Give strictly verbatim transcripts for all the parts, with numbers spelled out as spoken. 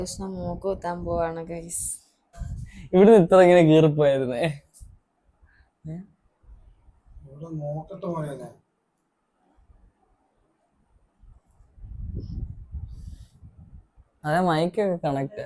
കൃഷ്ണ മൂക്ക് കുത്താൻ പോവാണ് ഗൈസ്. ഇവിടുന്ന് ഇത്ര ഇങ്ങനെ കീറിപ്പോയായിരുന്നേ. അതെ മൈക്കൊക്കെ കണക്ട്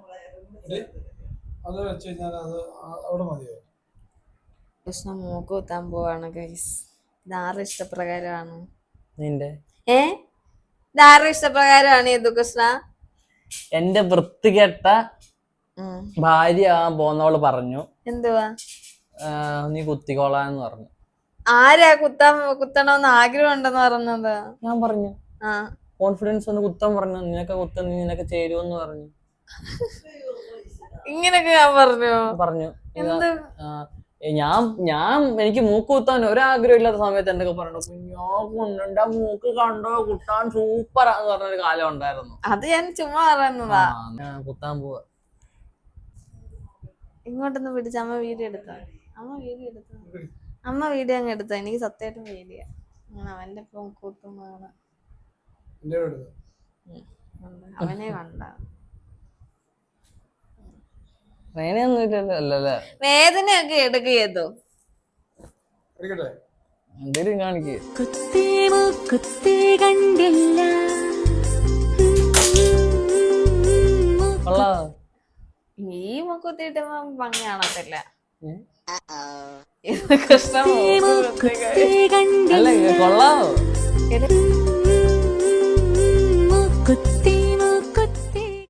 കൃഷ്ണ മൂക്ക് കുത്താൻ പോവാണ് ഗൈസ്. ഇതാരുടെ ഇഷ്ടപ്രകാരമാണ്? നിന്റെ ഏ ഇതാരുടെ ഇഷ്ടപ്രകാരമാണ് യദു കൃഷ്ണ? എന്റെ വൃത്തികെട്ട ഭാര്യ പോന്നവള് പറഞ്ഞു എന്തുവാ നീ കുത്തിക്കോളാന്ന് പറഞ്ഞു. ആരാ കുത്താൻ കുത്തണമെന്ന് ആഗ്രഹം ഉണ്ടെന്ന് പറഞ്ഞത്? ഞാൻ പറഞ്ഞു ആ കോൺഫിഡൻസ് ഒന്ന് കുത്താൻ പറഞ്ഞു. നിനക്ക് കുത്ത നിനക്ക് ചേരുവെന്ന് പറഞ്ഞു. ഇങ്ങനൊക്കെ ഞാൻ പറഞ്ഞു പറഞ്ഞു എന്ത് ഞാൻ ഞാൻ എനിക്ക് മൂക്ക് കുത്താൻ ഒരാഗ്രഹം ഇല്ലാത്ത സമയത്ത് എന്തൊക്കെ പറഞ്ഞു. കുഞ്ഞാ മൂക്ക് കണ്ടോ കുത്താൻ സൂപ്പറാന്ന് പറഞ്ഞൊരു കാലം ഉണ്ടായിരുന്നു. അത് ഞാൻ ചുമ്മാ പറയുന്നതാ. കുത്താൻ പോവാ. ഇങ്ങോട്ടൊന്ന് പിടിച്ച അമ്മ വീഡിയോ എടുത്തോ. അമ്മ വീഡിയോ എടുത്തോ. അമ്മ വീഡിയോ അങ്ങ് എടുത്തോ. എനിക്ക് സത്യമായിട്ടും വീഡിയോ അവന്റെ ഇപ്പം കൂട്ടുന്നതാണ്. അവനെ കണ്ട വേദനയൊക്കെ എടുക്കുകയോ എന്തേലും കാണിക്കേ. ഈ മുക്കുത്തിട്ട് ഭംഗി കാണത്തില്ല. കൊള്ളാവോ?